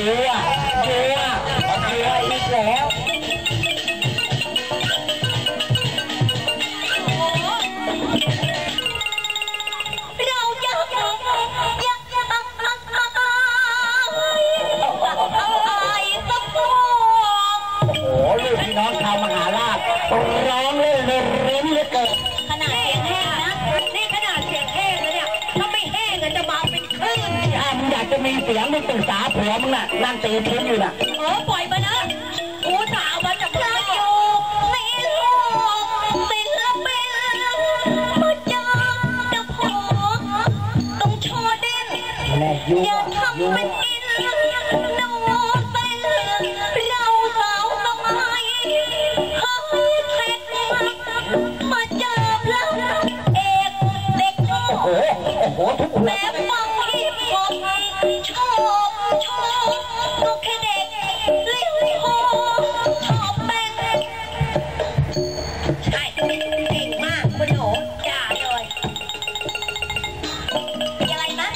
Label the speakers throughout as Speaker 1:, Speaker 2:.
Speaker 1: อ่ะดูอ่ะดูอีกแล้วน้องชาวมหาราชร้องเล่นเล่นริ้นเหลือเกิน
Speaker 2: ขนาดเสียงแห้งนะนี่ขนาดเสียงแห้งนะเนี่ยถ้าไม่แห้งจะมาเป็นคลื่น
Speaker 1: มึงอยากจะมีเสียงมึงปรึกษาผัวมึงน่ะนั่งตีทิ้งอยู่น่ะ
Speaker 2: ปล่อยมานะกูสาวมาจากพระอยู่ในโลกศิลปินมาจากจะพอต้องโชว์เด่นอย่าทำเป็นกินโน้เส้นเราสาวสมัยมาเจอพระเอกเด็กโง่แม้ฟังฮิปฮอปชอบก็แค่เด็กลิปโฮชอบเป็นใช่เก่งมากคุณหนูอย่าเลยอะไรนะ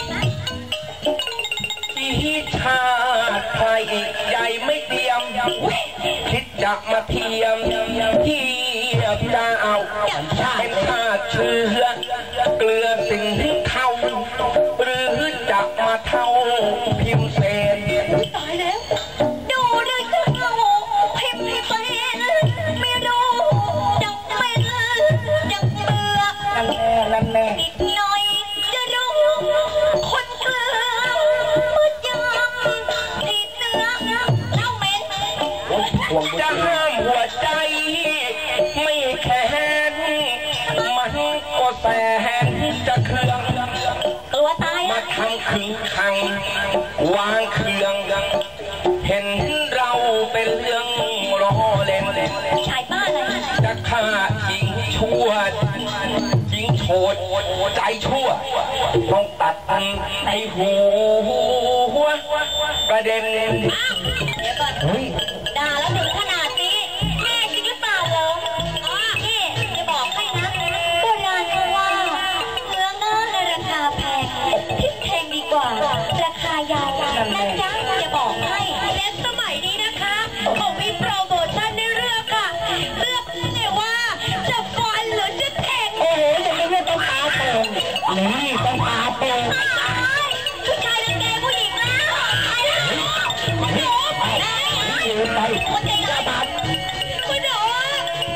Speaker 3: ที่ชาติไทยใหญ่ไม่เตรียมคิดจะมาเทียมที่จะเอาเป็นชาติเชื้อเกลือสิ่งที่เขาหรือจะมาเท่าพิมพ์เศษ
Speaker 2: ตายแล้วดูด้วยเท่าพิมพ์เศษไม่รู้จักเป็นจักเบื่อ
Speaker 1: นั่นแน่
Speaker 2: อีกหน่อยจะรู้คนเกลือมืดยำติดเนื้อเล่าเหม็น
Speaker 3: จะห้ามหัวใจไม่แข็งมันก็แสนจะเครื่อง
Speaker 2: ตัวตาย
Speaker 3: มาทำขึงขังวางเครื่องเห็นเราเป็นเรื่องล้อเล่น
Speaker 2: ชายบ้านอะไร
Speaker 3: จะฆ่าหญิงชั่วหญิงโฉดใจชั่วต้องตัดในหัวประเด็น
Speaker 2: เดี๋ยวก่อนด่าแล้วถึงขนาดนี้แม่จริงหรือเปล่าเหรอนี่จะบอกให้นะโบราณเขาว่าเนื้อเนื้อในราคาแพงทิพแพงดีกว่าราคายานะจ๊ะจะบอกให้และสมัยนี้นะคะเขามีโปรโมชั่นในเรื่องค่ะเลือกเลยว่าจะฟันหรือจะแทง
Speaker 1: โอ้โหจะไม่ต้องตาโป่งนี่ต้องตาโป่ง
Speaker 2: ผู้ชายรังแกผู้หญิงแล้วคุณหนู
Speaker 1: ไป
Speaker 2: คุณใจร้ายคุณหนู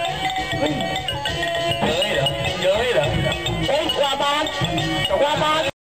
Speaker 3: เย้ยเหรอเย้ยเหรอ
Speaker 1: กว่าบาท